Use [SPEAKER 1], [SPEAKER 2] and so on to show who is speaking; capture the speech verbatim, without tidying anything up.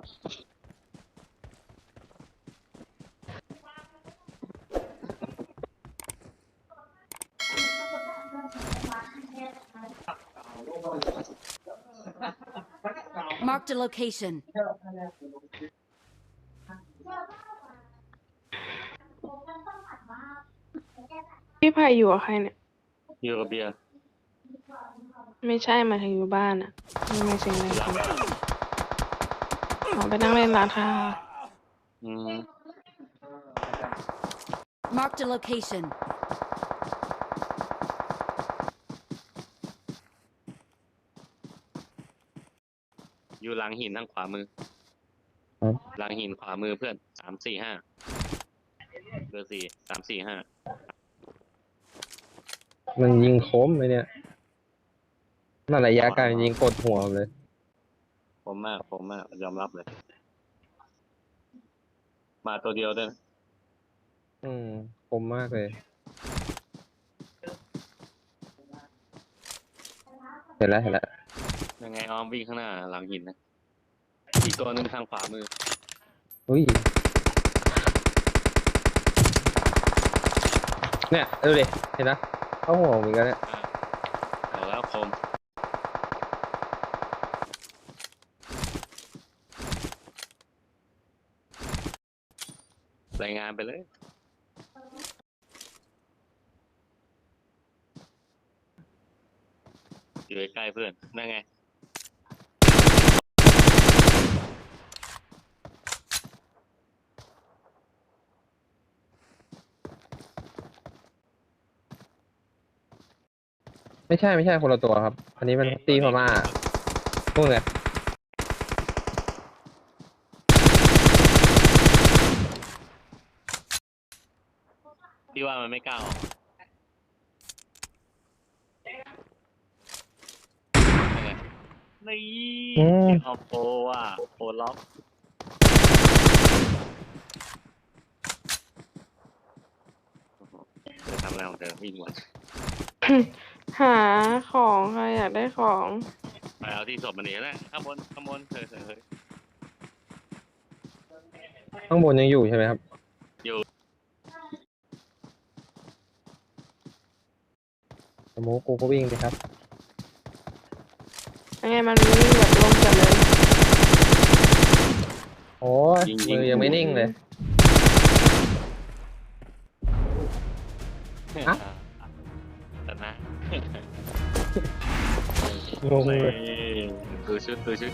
[SPEAKER 1] Marked a location.
[SPEAKER 2] พี่ไผ่อยู่กับใครเนี่ย
[SPEAKER 3] อยู่กับเบียร์
[SPEAKER 2] ไม่ใช่หมายถึงอยู่บ้านอะไม่ไม่เสียงอะไรกันออกไปนั่งเล่นร้านค้า
[SPEAKER 3] อืม
[SPEAKER 1] Marked a location.
[SPEAKER 3] อยู่หลังหินทางขวามือ
[SPEAKER 4] ครับ
[SPEAKER 3] หลังหินขวามือเพื่อนสามสี่ห้าเบอร์สี่สามสี่ห้า
[SPEAKER 4] มันยิงคมไหมเนี่ยน่าระยะไกลมันยิงกดหัวเลย
[SPEAKER 3] ผมมากผมมากยอมรับเลย มาตัวเดียวด้วยนะ
[SPEAKER 4] อืมคมมากเลย เห็นแล้วเห็นแล้ว
[SPEAKER 3] ยังไงออมวิ่งข้างหน้าหลังหินนะอีกตัวหนึ่งทางขวามือ
[SPEAKER 4] อุ้ยเนี่ยดูดิเห็นนะเข้าหัวเหมือนกันเนี่ย
[SPEAKER 3] อ่าเอาแล้วคมรายงานไปเลย อยู่ใกล้ๆเพื่อนนั่นไง
[SPEAKER 4] ไม่ใช่ไม่ใช่คนละตัวครับ อันนี้มันตีพม่าพวกไง
[SPEAKER 3] พี่ว่ามันไม่กล้าออกนั่นไงนี่
[SPEAKER 4] อืม
[SPEAKER 3] เอาโปรว่ะโปรล็อกเธอทำอะไรของเธอวิ่งวน
[SPEAKER 2] หาของใครอยากได้ของ
[SPEAKER 3] ไปเอาที่ศพมันเองนะข้างบนข้างบนเฮ้ยเฮ้ยเฮ้ย
[SPEAKER 4] ข้างบนยังอยู่ใช่ไหมครับ
[SPEAKER 3] อยู่
[SPEAKER 4] สโมกกูก็วิ่งไปครับ
[SPEAKER 2] ยังไงมันวิ่งแบบลงจัดเลย
[SPEAKER 4] โอ้ยมือยังไม่นิ่งเลย อ่ะ
[SPEAKER 3] แต่นะ
[SPEAKER 4] งงเลย
[SPEAKER 3] ดูชุดดูชุด